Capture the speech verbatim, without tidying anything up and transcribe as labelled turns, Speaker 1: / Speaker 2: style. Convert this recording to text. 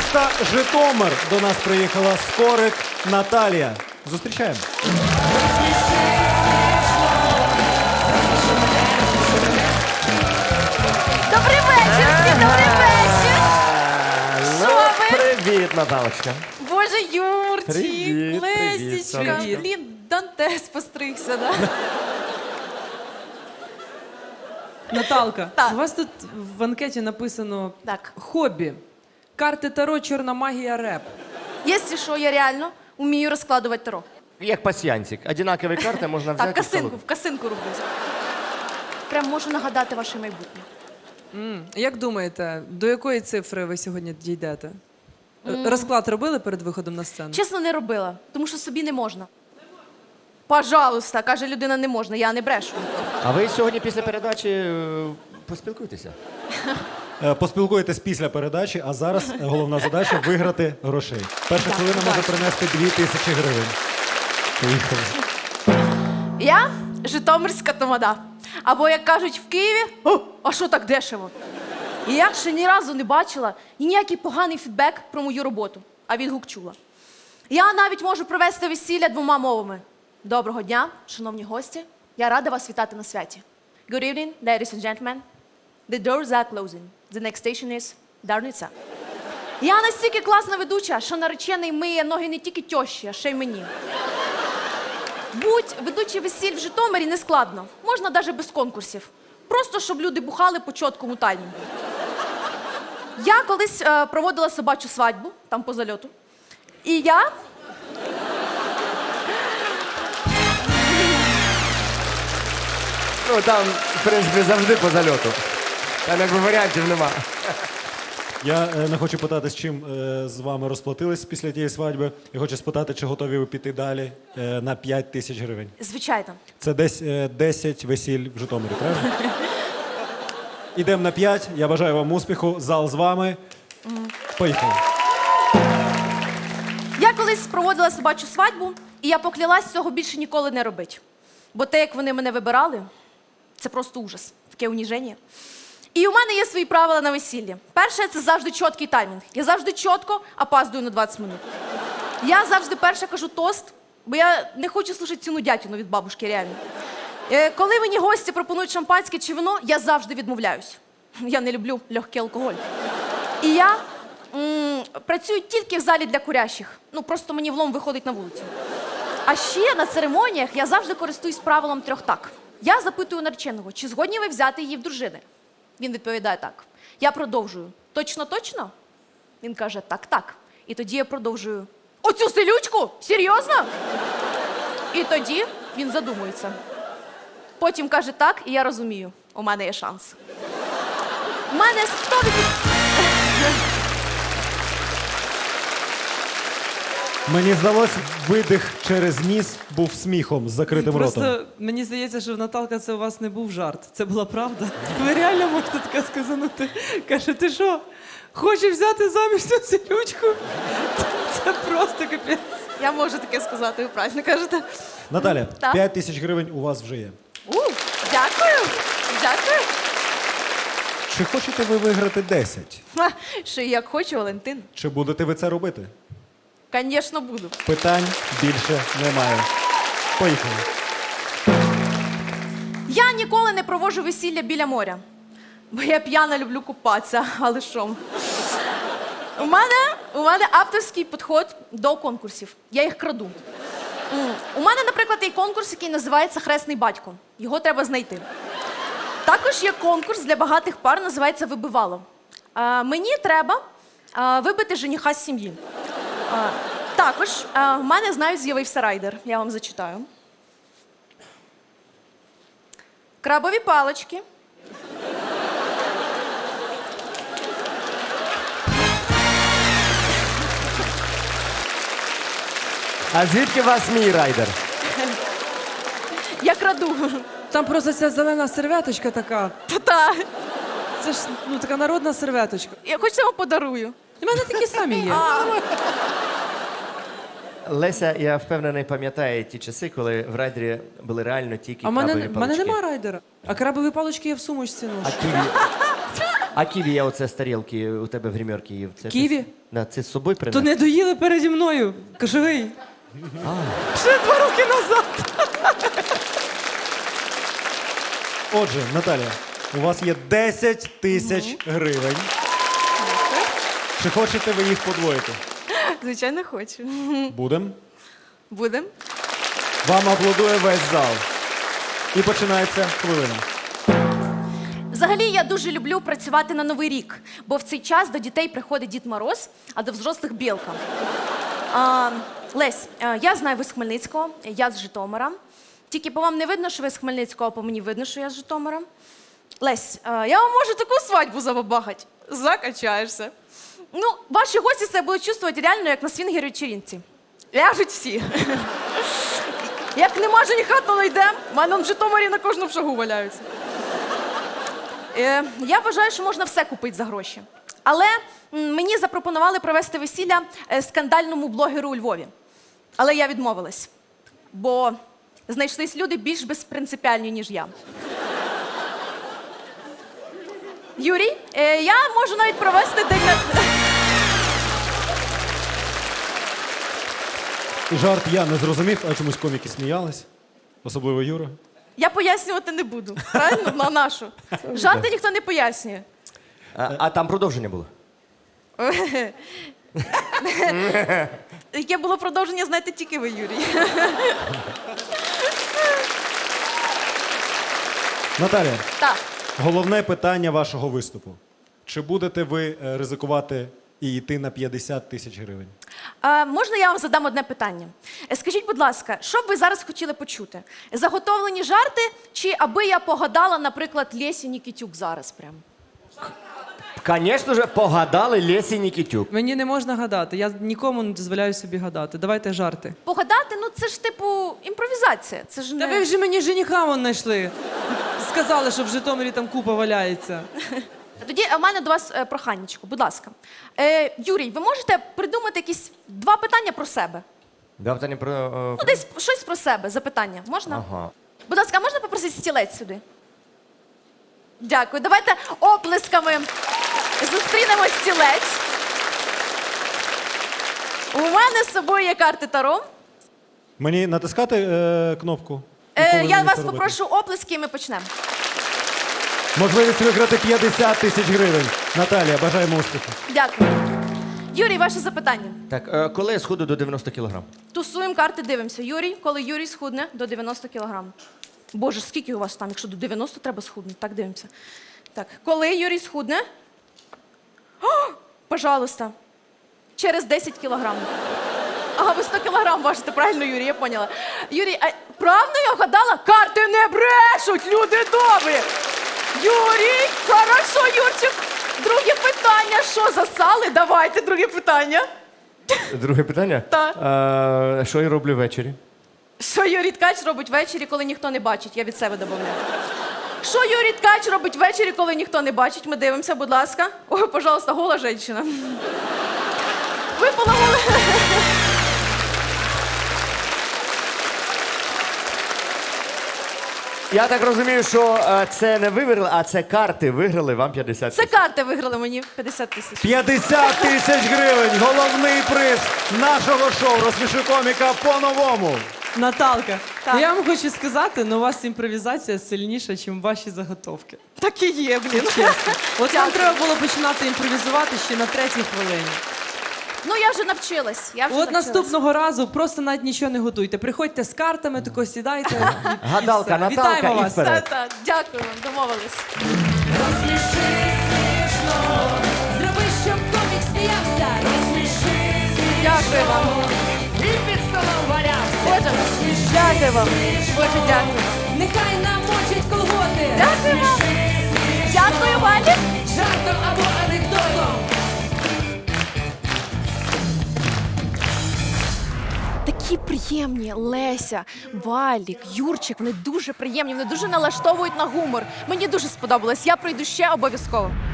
Speaker 1: міста Житомир до нас приїхала скорик Наталія. Зустрічаємо.
Speaker 2: Добрий вечір всім, добрий вечір!
Speaker 3: Ну,
Speaker 2: Що ви?
Speaker 3: привіт, Наталочка.
Speaker 2: Боже, Юрчик,
Speaker 3: Привіт, привіт,
Speaker 2: Лесічка.
Speaker 3: привіт.
Speaker 2: Блін, Дантес постригся, да?
Speaker 4: Наталка,
Speaker 2: Так.
Speaker 4: у вас тут в анкеті написано
Speaker 2: Так.
Speaker 4: хобі. Карти Таро, чорна магія, реп.
Speaker 2: Якщо що, я реально вмію розкладувати таро.
Speaker 3: Як пасьянчик. Одинакові карти можна взяти.
Speaker 2: Так, касинку, в касинку роблю. Прям можу нагадати ваше майбутнє.
Speaker 4: М, Як думаєте, до якої цифри ви сьогодні дійдете? Е, Розклад робили перед виходом на сцену?
Speaker 2: Чесно, не робила, тому що собі не можна. Пожалуйста, каже людина, не можна, я не брешу.
Speaker 3: А ви сьогодні після передачі е, поспілкуйтеся.
Speaker 1: Е, Поспілкуєтесь після передачі, а зараз е, головна задача виграти грошей. Перша хвилина може принести дві тисячі гривень. Поїхали.
Speaker 2: Я житомирська тамада. Або, як кажуть в Києві, «О, а що так дешево? І я ще ні разу не бачила і ніякий поганий фідбек про мою роботу, а відгук чула. Я навіть можу провести весілля двома мовами. Доброго дня, шановні гості. Я рада вас вітати на святі. Good evening, ladies and gentlemen. The doors are closing. The next station is Дарниця. Я настільки класна ведуча, що наречений миє ноги не тільки тьощі, а ще й мені. Будь ведучий весіль в Житомирі не складно. Можна навіть без конкурсів. Просто, щоб люди бухали по чіткому таймінгу. Я колись е, проводила собачу свадьбу, там по зальоту. І я...
Speaker 3: Ну там, в принципі, завжди по зальоту. Там якби варіантів нема.
Speaker 1: Я е, не хочу питати, з чим е, з вами розплатились після тієї свадьби. Я хочу спитати, чи готові ви піти далі е, на п'ять тисяч гривень.
Speaker 2: Звичайно.
Speaker 1: Це десь е, десять весіль в Житомирі, правильно? Ідемо на п'ять. Я бажаю вам успіху. Зал з вами. Поїхали.
Speaker 2: Я колись проводила собачу свадьбу, і я поклялась цього більше ніколи не робити. Бо те, як вони мене вибирали, це просто ужас, таке уніження. І у мене є свої правила на весіллі. Перше, це завжди чіткий таймінг. Я завжди чітко опаздую на двадцять минут. Я завжди перша кажу тост, бо я не хочу слухати ціну дятіну від бабушки, реально. Е, Коли мені гості пропонують шампанське чи вино, я завжди відмовляюсь. Я не люблю легкий алкоголь. І я м, працюю тільки в залі для курящих. Ну, просто мені влом виходить на вулицю. А ще на церемоніях я завжди користуюсь правилом трьох так. Я запитую нареченого, чи згодні ви взяти її в дружини? Він відповідає так. Я продовжую. Точно, точно? Він каже, так, так. І тоді я продовжую. Оцю селючку? Серйозно? І тоді він задумується. Потім каже так, і я розумію, у мене є шанс. У мене сто відсотків...
Speaker 1: Мені здалось, видих через ніс був сміхом з закритим ротом.
Speaker 4: Просто мені здається, що в Наталка це у вас не був жарт. Це була правда. Ви реально можете таке сказанути. Каже, ти що, хочеш взяти заміж цю селючку? Це просто капець.
Speaker 2: Я можу таке сказати, ви правильно кажете.
Speaker 1: Наталя,
Speaker 2: Так.
Speaker 1: п'ять тисяч гривень у вас вже є.
Speaker 2: У, дякую, дякую.
Speaker 1: Чи хочете ви виграти десять?
Speaker 2: Ха, Ще як хочу, Валентин.
Speaker 1: Чи будете ви це робити?
Speaker 2: Звісно, буду.
Speaker 1: Питань більше немає. Поїхали.
Speaker 2: Я ніколи не проводжу весілля біля моря, бо я п'яна люблю купатися, але що? У мене, у мене авторський підход до конкурсів. Я їх краду. М, У мене, наприклад, є конкурс, який називається «Хресний батько». Його треба знайти. Також є конкурс для багатих пар, називається «Вибивало». А, мені треба а, вибити жениха з сім'ї. А, також а, в мене, знаю, з'явився райдер. Я вам зачитаю. Крабові палички.
Speaker 3: А звідки у вас мій райдер?
Speaker 2: Я краду.
Speaker 4: Там просто ця зелена серветочка така.
Speaker 2: Та-та.
Speaker 4: Це ж ну, така народна серветочка.
Speaker 2: Я хоч вам подарую.
Speaker 4: У мене такі самі є.
Speaker 3: Леся, я впевнений, пам'ятає ті часи, коли в райдері були реально тільки
Speaker 4: А в мене,
Speaker 3: крабові
Speaker 4: в мене
Speaker 3: палички.
Speaker 4: нема райдера. А крабові палички є в сумочці. Ну.
Speaker 3: А ти... А ківі я оце з тарілки у тебе в гримерці їв. Це
Speaker 4: Ківі?
Speaker 3: Ти, да, це з собою
Speaker 4: То
Speaker 3: принес?
Speaker 4: не доїли переді мною. Кожовий. Ще два роки назад.
Speaker 1: Отже, Наталія, у вас є десять тисяч гривень. Чи хочете ви їх подвоїти?
Speaker 2: Звичайно, хочу.
Speaker 1: Будем.
Speaker 2: Будем.
Speaker 1: Вам аплодує весь зал. І починається хвилина.
Speaker 2: Взагалі, я дуже люблю працювати на Новий рік, бо в цей час до дітей приходить Дід Мороз, а до взрослих білка. А, Лесь, а, я знаю, ви з Хмельницького, я з Житомира. Тільки по вам не видно, що ви з Хмельницького, а по мені видно, що я з Житомира. Лесь, а, я вам можу таку свадьбу забабахать. Закачаєшся. Ну, ваші гості себе будуть чувствувати реально, як на свінгер-вечеринці. Ляжуть всі. Як нема жениха, то не йдемо. В мене в Житомирі на кожному шагу валяються. Е, я вважаю, що можна все купити за гроші. Але м, мені запропонували провести весілля е, скандальному блогеру у Львові. Але я відмовилась. Бо знайшлись люди більш безпринципіальні, ніж я. Юрій, е, я можу навіть провести день на...
Speaker 1: Жарт я не зрозумів, а чомусь коміки сміялись. Особливо Юра.
Speaker 2: Я пояснювати не буду. Правильно? На нашу. Жарти ніхто не пояснює.
Speaker 3: А, а там продовження було?
Speaker 2: Яке було продовження, знаєте тільки ви, Юрій.
Speaker 1: Наталія,
Speaker 2: Так.
Speaker 1: головне питання вашого виступу. Чи будете ви е, ризикувати і йти на п'ятдесят тисяч гривень?
Speaker 2: А, можна я вам задам одне питання? Е, Скажіть, будь ласка, що б ви зараз хотіли почути? Заготовлені жарти, чи аби я погадала, наприклад, Лесі Нікітюк зараз прям?
Speaker 3: Звісно ж, погадали Лесі Нікітюк.
Speaker 4: Мені не можна гадати. Я нікому не дозволяю собі гадати. Давайте жарти.
Speaker 2: Погадати, ну це ж типу імпровізація. Це ж
Speaker 4: Та
Speaker 2: не...
Speaker 4: ви вже мені жениха вон знайшли. Сказали, що в Житомирі там купа валяється.
Speaker 2: Тоді в мене до вас е, проханнячко, будь ласка. Е, Юрій, ви можете придумати якісь два питання про себе?
Speaker 3: Да, питання про... е,
Speaker 2: Ну, десь щось про себе, запитання. Можна?
Speaker 3: Ага.
Speaker 2: Будь ласка, а можна попросити стілець сюди? Дякую. Давайте оплесками зустрінемо стілець. У мене з собою є карти Таро.
Speaker 1: Мені натискати е, кнопку? І
Speaker 2: Е,
Speaker 1: коли
Speaker 2: я
Speaker 1: мені
Speaker 2: вас
Speaker 1: це робити?
Speaker 2: попрошу оплески, і ми почнемо.
Speaker 1: Можливість виграти п'ятдесят тисяч гривень. Наталія, бажаємо успіху.
Speaker 2: Дякую. Юрій, ваше запитання.
Speaker 3: Так, е, коли я сходу до дев'яноста кілограм?
Speaker 2: Тусуємо карти, дивимося. Юрій, коли Юрій схудне до дев'яноста кілограм. Боже, скільки у вас там, якщо до дев'яноста треба схуднути? Так, дивимося. Так, коли Юрій схудне? О, пожалуйста. Через десять кілограм. Ага, ви сто кілограм важите, правильно, Юрій, я поняла. Юрій, а правильно я вгадала? Карти не брешуть, люди добрі. Юрій, хорошо, Юрчик. Друге питання. Що засали? Давайте, друге питання.
Speaker 3: Друге питання?
Speaker 2: Так.
Speaker 3: Е, що я роблю ввечері?
Speaker 2: Що Юрій Ткач робить ввечері, коли ніхто не бачить? Я від себе додаю. Що Юрій Ткач робить ввечері, коли ніхто не бачить? Ми дивимося, будь ласка. Ой, пожалуйста, гола жінка. Випала гола.
Speaker 3: Я так розумію, що е, це не ви виграли, а це карти виграли вам п'ятдесят
Speaker 2: Це
Speaker 3: тисяч.
Speaker 2: карти виграли мені п'ятдесят тисяч.
Speaker 1: п'ятдесят тисяч гривень. Головний приз нашого шоу «Розсміши коміка» по-новому.
Speaker 4: Наталка,
Speaker 2: Так.
Speaker 4: я вам хочу сказати, ну у вас імпровізація сильніша, ніж ваші заготовки.
Speaker 2: Так і є, блін.
Speaker 4: Чесно. От вам
Speaker 2: Дякую.
Speaker 4: треба було починати імпровізувати ще на третій хвилині.
Speaker 2: Ну, я вже навчилась. Я вже
Speaker 4: От
Speaker 2: навчилась.
Speaker 4: наступного разу просто навіть нічого не готуйте. Приходьте з картами, тако сідайте. і- і
Speaker 3: Гадалка,
Speaker 4: все.
Speaker 3: Наталка,
Speaker 4: Вітаємо
Speaker 3: і
Speaker 4: вас.
Speaker 3: вперед.
Speaker 2: Та-та, дякую вам, домовились.
Speaker 5: Розсміши смішно, зроби, щоб комік сміявся. Розсміши
Speaker 2: Дякую вам.
Speaker 5: і під столом валявся.
Speaker 2: Боже, дякую вам. Боже, дякую.
Speaker 5: Нехай намочить колготи.
Speaker 2: Дякую вам. Дякую, Валі.
Speaker 5: Жартом або анекдотом.
Speaker 2: Такі приємні Леся, Валік, Юрчик, вони дуже приємні, вони дуже налаштовують на гумор. Мені дуже сподобалось. Я прийду ще обов'язково.